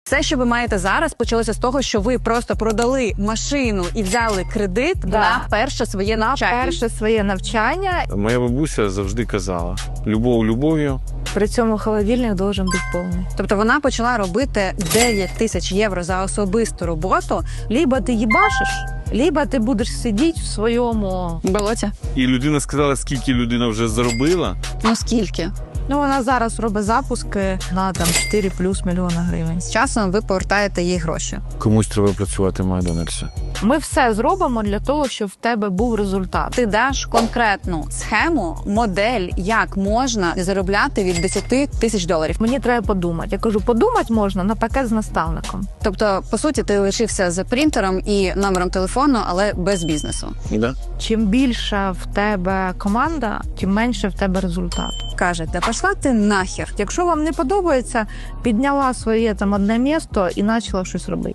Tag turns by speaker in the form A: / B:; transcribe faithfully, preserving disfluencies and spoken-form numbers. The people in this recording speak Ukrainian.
A: Все, що ви маєте зараз, почалося з того, що ви просто продали машину і взяли кредит
B: Да.
A: на перше своє навчання.
B: Перше своє навчання.
C: Моя бабуся завжди казала: любов любов'ю.
B: При цьому холодильник должен бути повний.
A: Тобто вона почала робити дев'ять тисяч євро за особисту роботу.
B: Либо ти їбашиш, либо ти будеш сидіти в своєму...
A: Болоття.
C: І людина сказала, скільки людина вже заробила.
A: Ну скільки?
B: Ну, вона зараз робить запуски на там чотири плюс мільйона гривень.
A: З часом ви повертаєте їй гроші.
C: Комусь треба працювати в Макдональдсі.
B: Ми все зробимо для того, щоб в тебе був результат.
A: Ти даш конкретну схему, модель, як можна заробляти від десять тисяч доларів.
B: Мені треба подумати. Я кажу, подумати можна на пакет з наставником.
A: Тобто, по суті, ти лишився за принтером і номером телефону, але без бізнесу.
C: Да?
B: Чим більша в тебе команда, тим менше в тебе результат.
A: Каже, та пішла ти нахер.
B: Якщо вам не подобається, підняла своє там одне місто і почала щось робити.